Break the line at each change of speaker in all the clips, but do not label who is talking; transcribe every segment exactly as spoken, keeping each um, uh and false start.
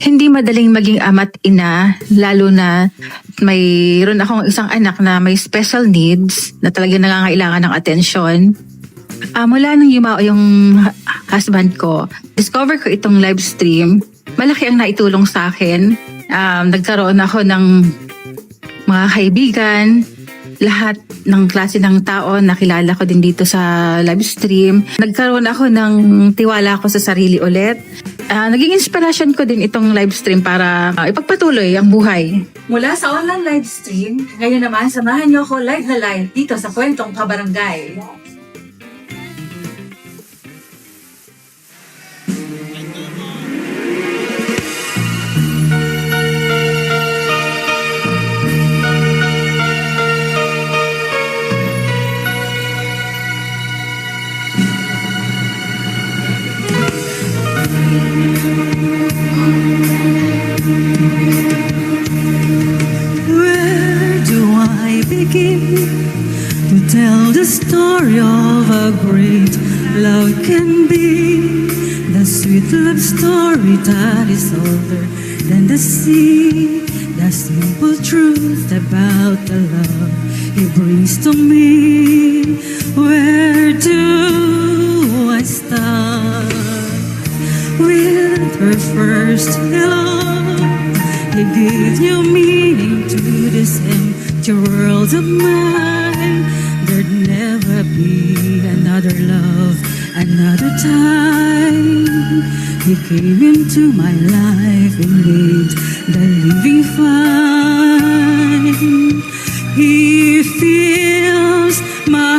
Hindi madaling maging ama't ina, lalo na mayroon akong isang anak na may special needs na talagang nangangailangan ng atensyon. Ah, mula nang yumao yung hu- husband ko, discover ko itong live stream. Malaki ang naitulong sa akin. Um, nagkaroon ako ng mga kaibigan, lahat ng klase ng tao nakilala ko din dito sa live stream. Nagkaroon ako ng tiwala ko sa sarili ulit. Ah, naging inspiration ko din itong live stream para ah, ipagpatuloy ang buhay.
Mula sa online live stream, ngayon naman samahan niyo ako live na live dito sa Kwentong Kabarangay.
Where do I begin to tell the story of a great love can be? The sweet love story that is older than the sea. The simple truth about the love he brings to me. Where do I start? With her first hello, he gave new meaning to this empty world of mine. There'd never be another love, another time. He came into my life and made the living fine. He fills my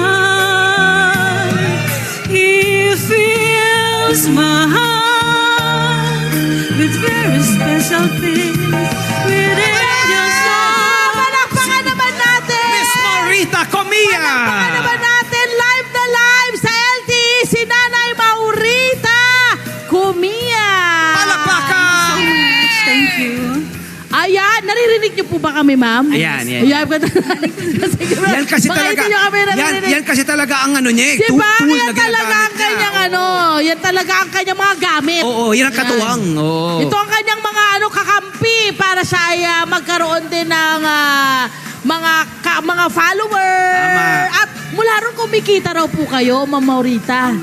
heart. He fills my heart with very special things. With angels
Ah, palakpakan naman natin!
Miss Morita Comia!
Palakpakan naman natin live na live sa L T E si Nanay Maurita Comia!
Palakpakan!
Thank you.
Ayan, naririnig niyo po ba kami, ma'am?
Ayan, yan.
Ayan, Sige, ma'am.
Yan kasi
Baka
talaga,
hindi niyo kami
yan,
naririnig.
yan kasi talaga ang ano niya eh.
Di
tu-
ba?
tool
Yan
na
talaga
ginagamit
ang
niya.
kanyang ano, yan talaga ang kanyang mga gamit.
Oo, yan ang katuwang. Oo.
Ito ang kanyang mga ano kakampi para siya ay ah, magkaroon din ng ah, mga ka, mga follower.
Tama.
At mula ron kumikita raw po kayo, Ma'am Maurita.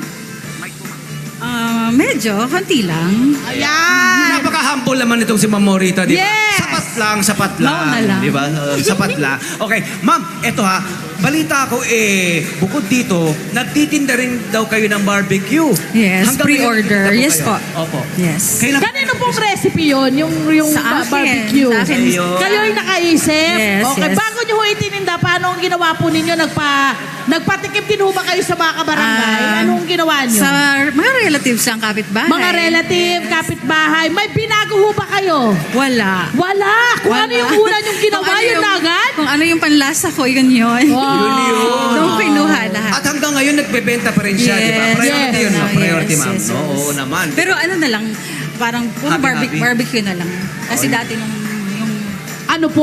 Ah, medyo, konti lang.
Ayan.
Napaka-humble naman itong si Ma'am Morita, di ba?
Yes!
Sapat lang, sapat lang.
Mauna lang.
Di ba? Uh, sapat lang. Okay, ma'am, eto ha. Balita ko eh, bukod dito, nagtitinda rin daw kayo ng barbecue.
Yes,
Hanggang
pre-order.
ngayon, nagtitinda
Yes
kayo?
po.
Opo.
Yes.
Kailan?
Kanino pong recipe yun? Yung, yung
Sa
ba-
akin.
barbecue?
Sa akin.
Ayun.
Kayo yung nakaisip?
Yes,
Okay,
yes.
bago nyo ho itininda, paano ang ginawa po ninyo? Nagpa, nagpatikim din ho ba kayo sa mga kabarangay?
Ah,
Anong ginawa nyo?
Sa mga relatives ang kapitbahay.
Mga relative, kapitbahay, may binago ho ba kayo?
Wala.
Wala! Kung
Wala.
ano yung una yung ginawa,
Kung ano
yun
yung-
na agad?
Kung ano yung panlasa ko, yun yun.
Wow.
Yun yun.
Doon kinuha lahat.
At hanggang ngayon, nagbebenta pa rin siya, di ba?
Yes.
Priority
Yes.
yun, no?
Yes,
Priority, ma'am.
yes,
No,
yes.
Oo naman.
Pero ano na lang, parang puro
Happy,
barbe-
happy.
barbecue na lang. Kasi
Okay.
dati nung yung
Ano po?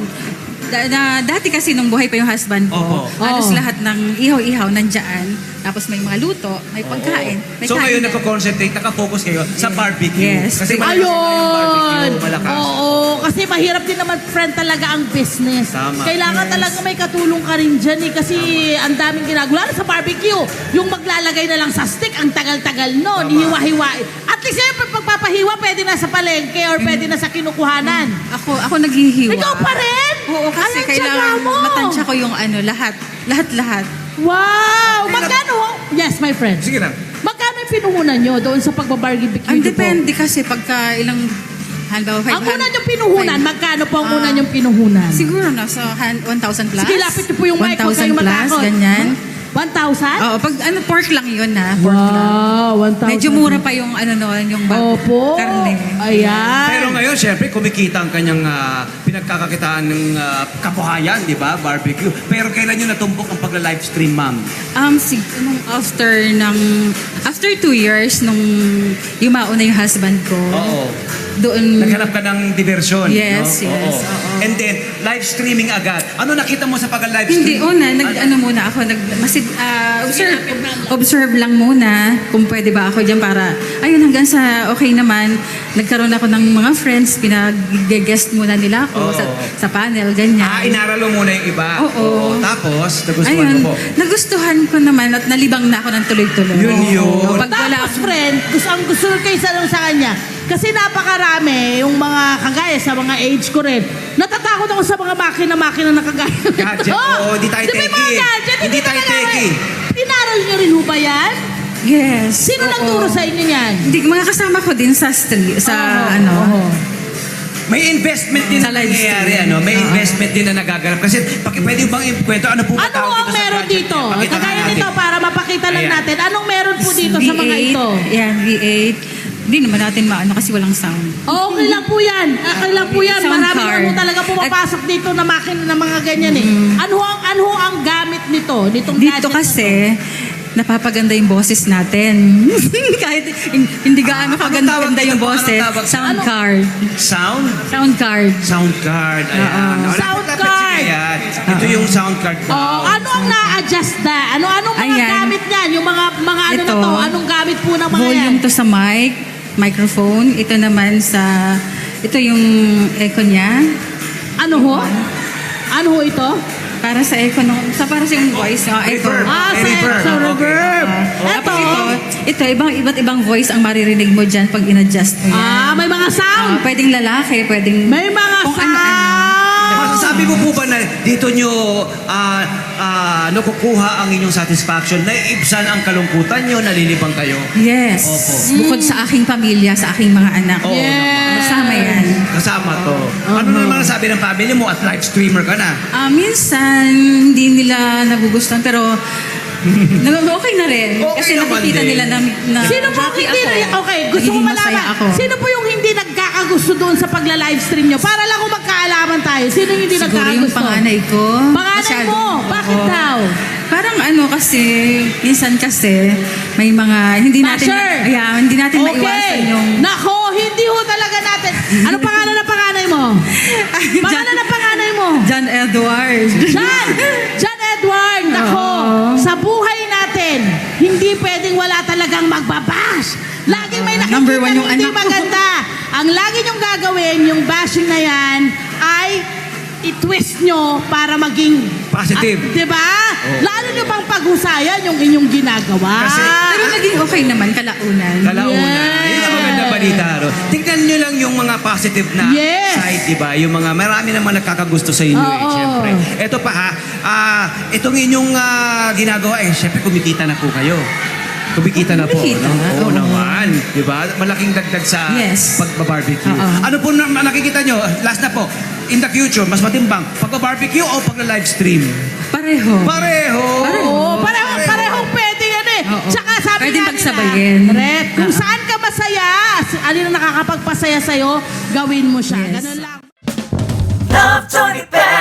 da, na, dati kasi nung buhay pa yung husband ko,
Opo.
halos
Oo.
lahat ng ihaw-ihaw nandyan. Tapos may mga luto, may pagkain. May
So
kain
ngayon,
na.
nagko-concentrate, nakafocus kayo sa barbecue.
Yes.
Kasi malakas
Ayun!
yung barbecue, malakas.
Oo, kasi mahirap din naman, friend, talaga ang business.
Tama.
Kailangan
Yes.
talaga may katulong ka rin dyan eh, kasi ang daming ginagawa. Lalo sa barbecue, yung maglalagay na lang sa stick, ang tagal-tagal nun,
Tama.
hiwa-hiwain. At least siyempre, pagpapahiwa, pwede na sa palengke or pwede na sa kinukuhanan.
Ako, ako naghihiwa.
Ikaw pa rin?
Oo, kasi
Anong
kailangan
tiyaga mo?
matansya ko yung ano, lahat. Lahat-lahat.
Wow! Magkano? Yes, my friend.
Sige lang.
Magkano yung pinuhunan nyo doon sa pagbabarbecue
Ang
niyo po?
depende kasi pagka ilang, halimbawa, five
Ang
hundred.
una yung pinuhunan,
five-
magkano po ang
Ah,
una yung pinuhunan?
Siguro nasa han- one thousand plus.
Sige, lapit niyo po yung mic, huwag
one thousand
kayong
plus,
matakot.
ganyan.
one thousand?
Oo, pag ano, pork lang yun ha. Pork lang.
Wow, one thousand.
Medyo mura pa yung ano noon, yung bag-
Opo.
karne.
Ayan.
Pero ngayon, syempre, kumikita ang kanyang ah, pinagkakakitaan ng ah, kabuhayan, di ba? Barbecue. Pero kailan nyo natumbok ang pagla-live stream, ma'am?
Um, sig nung after ng, after two years, nung yumao na yung husband ko,
Oo.
doon.
Naghanap ka ng diversyon.
Yes,
no?
yes,
Oo.
oo.
And then, live streaming agad. Ano nakita mo sa pag-live
Hindi,
stream?
una, nag, ano muna ako, nag, masid, ah, observe, observe lang muna kung pwede ba ako dyan para, ayun, hanggang sa okay naman, nagkaroon ako ng mga friends, pinag-guest muna nila ako
Oo.
sa, sa panel, ganyan.
Ah, inaral mo muna yung iba.
Oo.
Tapos, nagustuhan
Ayun,
mo po.
nagustuhan ko naman at nalibang na ako ng tuloy-tuloy.
Yun yun.
Oo. Pag wala
Tapos, friend, gusto, ang gusto ko kayo sa, sa kanya, kasi napakarami yung mga kagaya sa mga age ko rin. Natatakot ako sa mga makina-makina na kagaya.
Gadget, oo, hindi tayo
Di ba yung mga
techie.
gadget,
Hindi tayo
talaga-
techie.
Inaral niyo rin ho ba yan?
Yes.
Sino
oo.
nagturo sa inyo yan?
Hindi, mga kasama ko din sa street, sa
Oo,
ano.
oo.
May investment din
Sa
na
live
nangyayari,
stream.
ano? May
Oo.
investment din na nagaganap. Kasi, paki, pwede bang ikwento, ano po ba
Ano
tawag
ang
dito sa
meron
gadget?
dito?
Pakita nga
Kagaya
natin.
nito para mapakita lang
Ayan.
natin. Anong meron po dito sa mga
V eight,
ito?
Yan, V eight. Hindi naman natin maano kasi walang sound.
Okay lang po yan. Okay lang po yan.
Sound
Marami
card.
naman po talaga pumapasok dito na makina na mga ganyan eh. Ano ang ano ang gamit nito? Nitong
Dito
gadget na
kasi, napapaganda yung boses natin. Kahit hin- hindi gaano
Ah,
kaganda
anong tawag
yung
dito?
boses.
Anong tawag?
Sound
Ano?
card.
Sound?
Sound card.
Sound card. Ayan.
Oo.
Wala
Sound
pa- dapat
card.
sige yan. Ito yung sound card
to. Oh, ano ang na-adjust na? Ano anong mga
Ayan.
gamit niyan? Yung mga mga ano na
Ito.
to? Anong gamit po ng mga yan?
Volume to sa mic, microphone. Ito naman sa, ito yung echo niya.
Ano ho? Ano ho ito?
Para sa echo, no, sa para sa yung voice. Oh, echo.
Reverb.
Ah,
May
sa
reverb.
sa
Okay.
reverb.
Tapos
Ito.
ito, ito, ibang, iba't ibang voice ang maririnig mo dyan pag in-adjust mo yan.
Ah, may mga sound.
Ah, pwedeng lalaki, pwedeng...
May mga
kung
sound.
ano-ano.
Masasabi mo po ba na dito nyo ah ah, nakukuha ang inyong satisfaction, naiibsan ang kalungkutan nyo, nalilibang kayo?
Yes.
Opo.
Bukod sa aking pamilya, sa aking mga anak.
Oo
Yes.
Kasama yan.
Kasama to. Ano naman ang sabi ng family mo at live streamer ka na?
Ah, minsan, hindi nila nagugustuhan, pero nag- okay na rin.
Okay
Kasi
naman
nakikita
din.
nila na, na
Sino po
happy
hindi
ako.
okay, gusto ko
Nagiging masaya
malaman.
ako.
Sino po yung hindi nagkakagusto doon sa pagla-livestream nyo? Para lang kung magkaalaman tayo. Sino yung hindi
Siguro
nagkakagusto?
yung panganay ko.
Panganay
Masyado.
mo? Bakit
Oo.
daw?
Parang ano kasi, minsan kasi, may mga, hindi natin,
Basher!
ayan, hindi natin maiwasan yung...
Nako, hindi ho talaga natin. Ano pangalan ng panganay mo? Pangalan ng panganay mo?
John Edward.
John! John Edward! Nako,
Oo.
sa buhay natin, hindi pwedeng wala talagang magbabash. Laging may nakikita
Number one yung
hindi
anak ko.
maganda. Ang lagi niyong gagawin, yung bashing na yan, ay i-twist nyo para maging
Positive.
Ah, di ba?
Oo.
Lalo nyo pang paghusayan yung inyong ginagawa.
Kasi-
Pero naging okay naman, kalaunan.
Kalaunan.
Yes.
Yun ang maganda balita. No? Tingnan nyo lang yung mga positive na
Yes.
side, di ba? Yung mga marami naman nagkakagusto sa inyo eh,
Oo.
syempre. Ito pa ha, ah, itong inyong ah, ginagawa eh, syempre kumikita na po kayo. Kumikita na po.
Kumikita,
no? Oo
oo.
naman. Di ba? Malaking dagdag sa
Yes.
pagbabarbecue.
Oo.
Ano po na na nakikita nyo? Last na po. In the future, mas matimbang, pagbabarbecue o pagla-live stream?
Pareho.
Pareho.
Oo, pareho, parehong pwede yan eh.
Oo.
Tsaka sabi
Pwedeng
nga
pagsabayin.
nila, Red, kung
Oo.
saan ka masaya, alin ang nakakapagpasaya sa'yo, gawin mo siya.
Yes.
Ganun lang.
Love Tony Bell.